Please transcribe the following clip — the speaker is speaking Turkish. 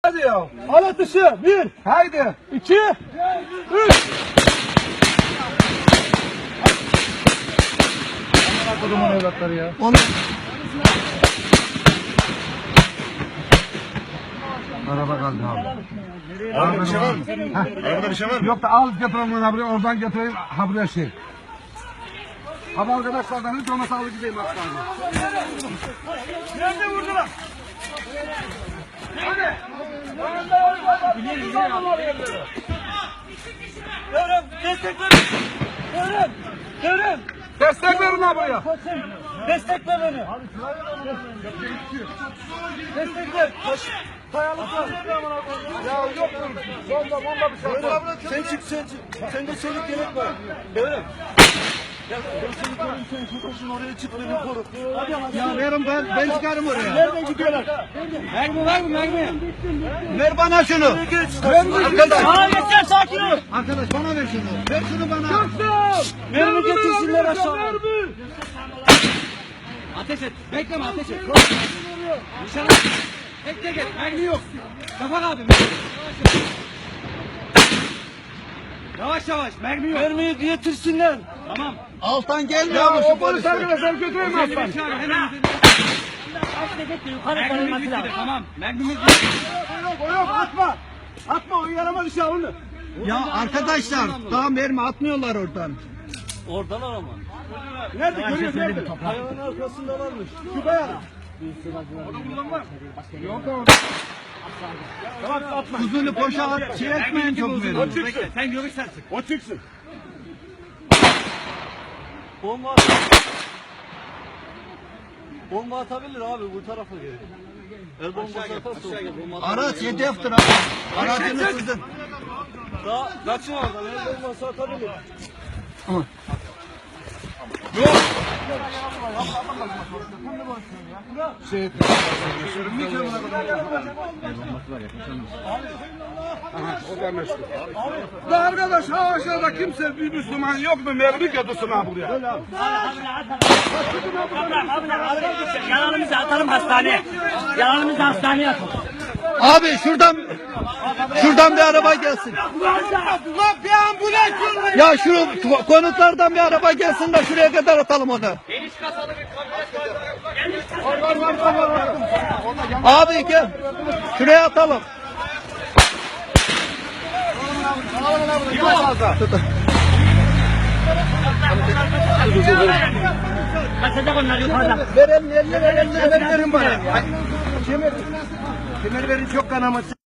Hadi ya. Al atışı. 1, Haydi. 2, 3. Kudumun evlatları ya. Onu. Araba kaldı abi. Arabada bir şey var mı? Arabada bir şey var mı? Yok da al getireyim onu buraya, oradan getireyim ha buraya şey. Abi arkadaşlardan hiç olmasa alıp gideyim hastaneye. Nerede vurdular? Hadi. Görün, destek verin. Görün, görün. Destek verin ha buraya. Destek ver beni. Destek ver. Kayalık var. Ya yok mu? Bomba bir şey yok. Sen çık, sen çık. Sende çelik gerek var. Görün. Ya ben seni koruyayım, sen şu koşun oraya çık, beni koru. Hadi hadi. Ya verin ben çıkarım oraya. Nereden gidiyorlar? Mermi var mı mermi? Ver bana şunu. Arkadaş. Aa yeter, sakin ol. Arkadaş bana ver şunu. Ver şunu bana. Mermi getirsinler aşağı. Ateş et. Bekleme ateş et. Nişan al. Bekle gel. Mermi yok. Şafak abi. Yavaş yavaş. Mermi yok. Mermiyi getirsinler. Tamam. Alttan gelmiyor Ya mu o şu polis polis? arkadaşlar götüreyim mi aslan? Çağır hemen. Yukarı Mermimiz bitti. Tamam. Mermimiz bitti. Yok atma. Atma, o yarama düşe onu. Ya arkadaşlar daha mermi atmıyorlar oradan. Oradan ama. Nerede görüyor, nerede? Kayanın arkasındalarmış. Şu kayada. Tamam atma. Kuzunu boşa at, şey etmeyin çok verin. Bekle. Sen görürsen sık. O çıksın. Bomba at. Bomba atabilir abi, bu tarafa gel. El bombası atarsa bomba atabilir. Araç hedeftir abi. Aracını sızın. Daha kaçın oradan, el bombası atabilir. Ya arkadaş ha aşağıda kimse bir Müslüman yok mu? Mermi götürsün ha buraya. Yalanımızı atalım hastaneye. Yalanımızı hastaneye atalım. Abi şuradan bir araba gelsin. Ya şu konutlardan bir araba gelsin de şuraya kadar atalım onu. Abi gel. Şuraya atalım. Kaçacak onlar yukarıda. Verin bana. Kemer verin çok kanaması.